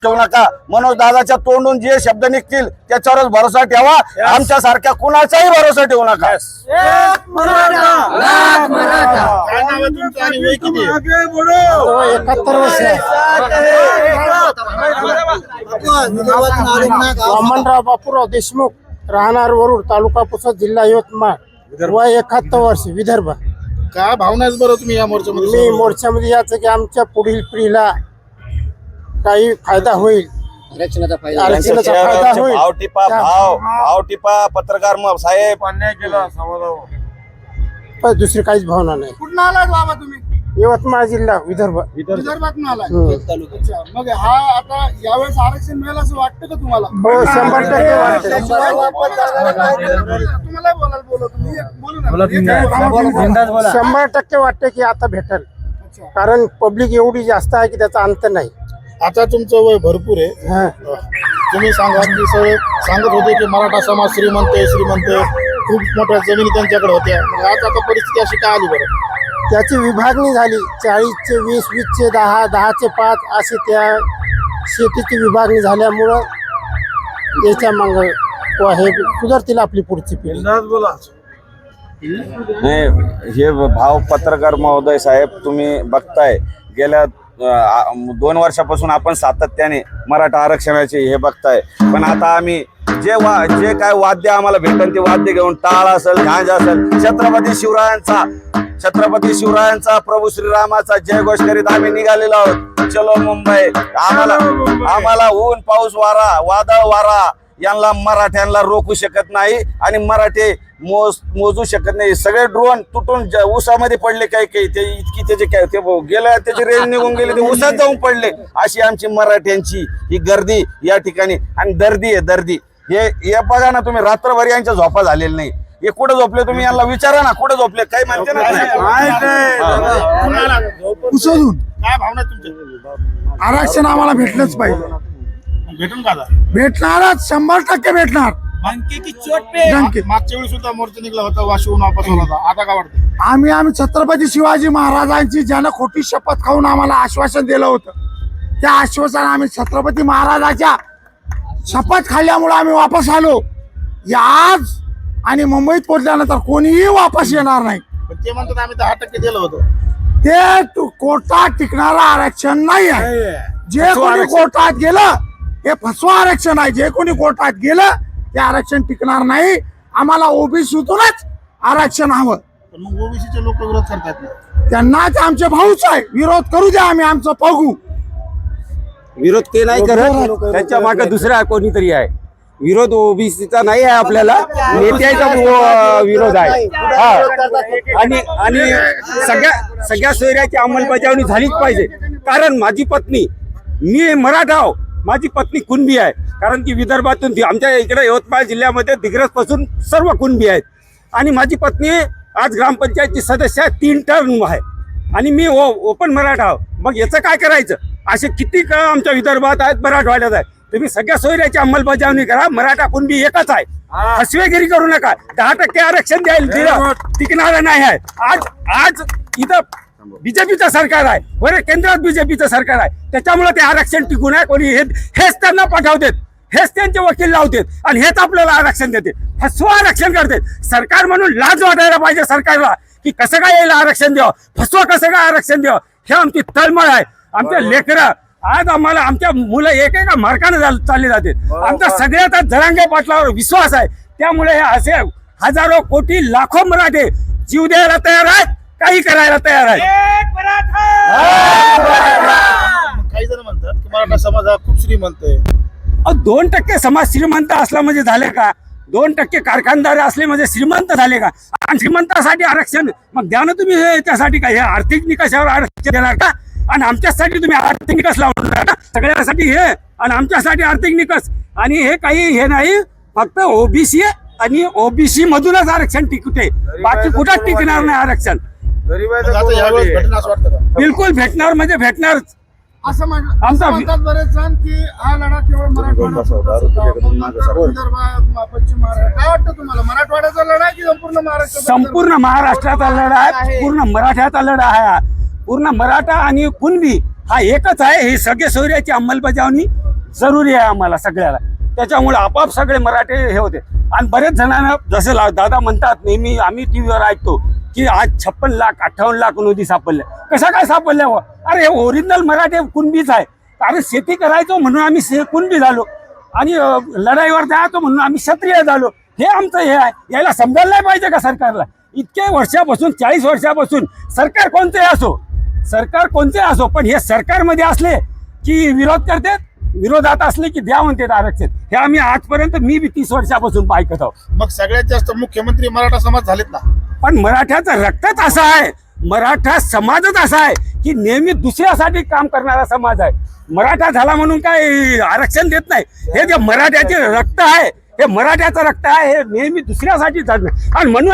ठेवू नका। मनोज दादाच्या तोंडून जे शब्द निघतील त्याच्यावरच भरोसा ठेवा। आमच्या सारख्या कुणाचाही भरोसा ठेवू नका। काय नाव आहे तुमचं आणि वय किती आहे? 71 वर्ष वामनराव बापूराव देशमुख, राहणार वरुड, तालुका पुसद, जिल्हा यवतमाळ, वय 71 वर्ष, विदर्भ। काय भावना आहे बरं तुम्ही या मोर्चामध्ये? मी मोर्चामध्ये याचं की आमच्या पुढील पिढीला काही फायदा होईल, आरक्षणाचा फायदा होईल। भाव टिपा पत्रकार साहेब अन्याय केला समाजावर। पण दुसरी काहीच भावना नाही। कुठून आलात बाबा तुम्ही? यवतमाळ जिल्हा, विदर्भ। विदर्भातून आलाय? अच्छा, मग हा आता यावेळेस आरक्षण मिळेल असं वाटतं का तुम्हाला? हो, 100% वाटतं। तुम्हाला बोलायला बोलतो तुम्ही, बोलू ना। 100% वाटतं की आता भेटेल, कारण पब्लिक एवढी जास्त आहे की त्याचा अंत नाही। आता तुमचं वय भरपूर आहे, हा, तुम्ही सांगा की सगळे सांगत होते की मराठा समाज श्रीमंत खूप मोठ्या जमिनी त्यांच्याकडे होत्या, मग आता परिस्थिती अशी काय आली बरं? त्याची विभागणी झाली, 40चे 20, 20चे 10, 10चे 5 असे त्या शेतीची विभागणी झाल्यामुळं याच्या माग हे सुधारतील आपली पुढची पिढी। हे भाव पत्रकार महोदय साहेब तुम्ही बघताय, गेल्या 2 वर्षापासून आपण सातत्याने मराठा आरक्षणाचे हे बघताय, पण आता आम्ही जे काय वाद्य आम्हाला भेटन ते वाद्य घेऊन टाळ असेल, झांज असेल, छत्रपती शिवरायांचा प्रभू श्रीरामाचा जयघोष करीत आम्ही निघालेलो आहोत। चलो मुंबई। आम्हाला ऊन पाऊस वारा वादळ वारा यांना मराठ्यांना रोखू शकत नाही आणि मराठे मोजू शकत नाही। सगळे ड्रोन तुटून उसामध्ये पडले, काही ते इतकी त्याचे काय ते गेलं, त्याची रेंज निघून गेली, ते उसात जाऊन पडले। अशी आमची मराठ्यांची ही गर्दी या ठिकाणी, आणि दर्दी आहे दर्दी। हे बघा ना तुम्ही, रात्रभर यांच्या झोपा झालेल्या नाही। हे कुठे झोपले तुम्ही यांना विचारा ना, कुठे झोपले काही म्हणते ना। उसळून काय भावना तुमच्या? आरक्षण आम्हाला भेटलंच पाहिजे। भेटून का? भेटणारच, 100% भेटणार। मागच्या वेळी सुद्धा मोर्चा निघला होता, वाशिवून वापस आला होता, आता काय वाटतं? आम्ही छत्रपती शिवाजी महाराजांची ज्यानं खोटी शपथ खाऊन आम्हाला आश्वासन दिलं होतं, त्या आश्वासन आम्ही छत्रपती महाराजाच्या शपथ खाल्ल्यामुळे आम्ही वापस आलो। आज आणि मुंबईत पोहोचल्यानंतर कोणीही वापस येणार नाही। पण ते म्हणतात आम्ही 10% दिलं होतं। ते कोर्टात टिकणारं आरक्षण नाही आहे। जे कोणी कोर्टात गेलं हे फसवा आरक्षण आहे। जे कोणी कोर्टात गेलं ते आरक्षण टिकणार नाही। आम्हाला ओबीसीतूनच आरक्षण हवं। पण मग ओबीसीचे लोक विरोध करतात ना, त्यांना ते आमचे भाऊच आहे, विरोध करू द्या, आम्ही आमचं बघू। विरोध ते नाही करत, त्यांच्या मागे दुसरा कोणीतरी आहे। विरोध ओबीसीचा नाही आहे, आपल्याला नेत्याचा विरोध आहे। आणि सगळ्या सोयऱ्याची अंमलबजावणी झालीच पाहिजे। कारण माझी पत्नी, मी मराठा आहो, माझी पत्नी कुणबी आहे। कारण की विदर्भातून आमच्या इकडे यवतमाळ जिल्ह्यामध्ये दिग्रस पासून सर्व कुणबी आहेत, आणि माझी पत्नी आज ग्रामपंचायतची सदस्य आहे, 3 टर्म आहे, आणि मी ओपन मराठा आहो। मग याचं काय करायचं? असे किती आमच्या विदर्भात आहेत, मराठवाड्यात आहेत। तुम्ही सगळ्या सोयऱ्याची अंमलबजावणी करा। मराठा कुणबी एकच आहे, फसवेगिरी करू नका। 10% आरक्षण दिलं टिकणारं नाही आहे। आज इथं बीजेपीचं सरकार आहे, बरं केंद्रात बीजेपीचं सरकार आहे, त्याच्यामुळे ते आरक्षण टिकून आहे। कोणी हेच त्यांना पाठवतात, हेच त्यांचे वकील लावतात, आणि हेच आपल्याला आरक्षण देते, फसवा आरक्षण करतात। सरकार म्हणून लाज वाटायला पाहिजे सरकारला, की कसं काय यायला आरक्षण द्यावं, फसवा कसं काय आरक्षण द्यावं। हे आमची तळमळ आहे। आमचे लेकरं आज आम्हाला, आमच्या मुलं एकेका मार्गाने चालले जाते। आमचा सगळ्यात जरांगे पाटलावर विश्वास आहे, त्यामुळे हे असे हजारो कोटी लाखो मराठे जीव द्यायला तयार आहेत, काही करायला तयार आहेत। काही जण म्हणतात की मराठा समाज हा खूप श्रीमंत आहे। 2% समाज श्रीमंत असला म्हणजे झाले का? 2% कारखानदार असले म्हणजे श्रीमंत झाले का? आणि श्रीमंतासाठी आरक्षण मग द्या ना तुम्ही। त्यासाठी काय हे आर्थिक निकषावर आरक्षण देणार का? आणि आमच्यासाठी तुम्ही आर्थिक निकष लावणार का? सगळ्यासाठी हे आणि आमच्यासाठी आर्थिक निकष, आणि हे काही हे नाही, फक्त ओबीसी आणि ओबीसी मधूनच आरक्षण टिकते, बाकी कुठं टिकणार नाही आरक्षण। बिलकुल भेटणार म्हणजे भेटणारच असं म्हणतात बरेच जण की हा लढा केवळ मराठवाड्यात, पश्चिम महाराष्ट्र। काय वाटतं तुम्हाला, मराठवाड्याचा लढा की संपूर्ण महाराष्ट्र? संपूर्ण महाराष्ट्राचा लढा आहे, पूर्ण मराठ्याचा लढा आहे। पूर्ण मराठा आणि कुणबी हा एकच आहे। हे सगळे सोयऱ्याची अंमलबजावणी जरुरी आहे आम्हाला सगळ्याला. त्याच्यामुळे आपाप सगळे मराठे हे होते. आणि बरेच जणांना जसं दादा म्हणतात नेहमी, आम्ही टीव्हीवर ऐकतो की आज 56 लाख 58 लाख नोंदी सापडल्या. कशा काय सापडल्या? अरे हे ओरिजिनल मराठे कुणबीच आहे. अरे शेती करायचो म्हणून आम्ही कुणबी झालो आणि लढाईवर जायचो म्हणून आम्ही क्षत्रिय झालो. हे आमचं हे आहे. याला समजायला नाही पाहिजे का सरकारला? इतके वर्षापासून 40 वर्षापासून सरकार कोणते असो पण हे सरकारमध्ये असले की विरोध करतात, विरोधात असले की द्या म्हणतात आरक्षण. हे आम्ही आजपर्यंत मी 30 वर्षापासून ऐकत आहोत. मग सगळ्यात जास्त मुख्यमंत्री मराठा समाज झालेत ना. पण मराठ्याचं रक्तच असं आहे, मराठा समाजच असा आहे की नेहमी दुसऱ्यासाठी काम करणारा समाज आहे. मराठा झाला म्हणून काय आरक्षण देत नाही. हे जे मराठ्याचे रक्त आहे, हे मराठ्याचं रक्त आहे, हे नेहमी दुसऱ्यासाठी चालणार. आणि म्हणून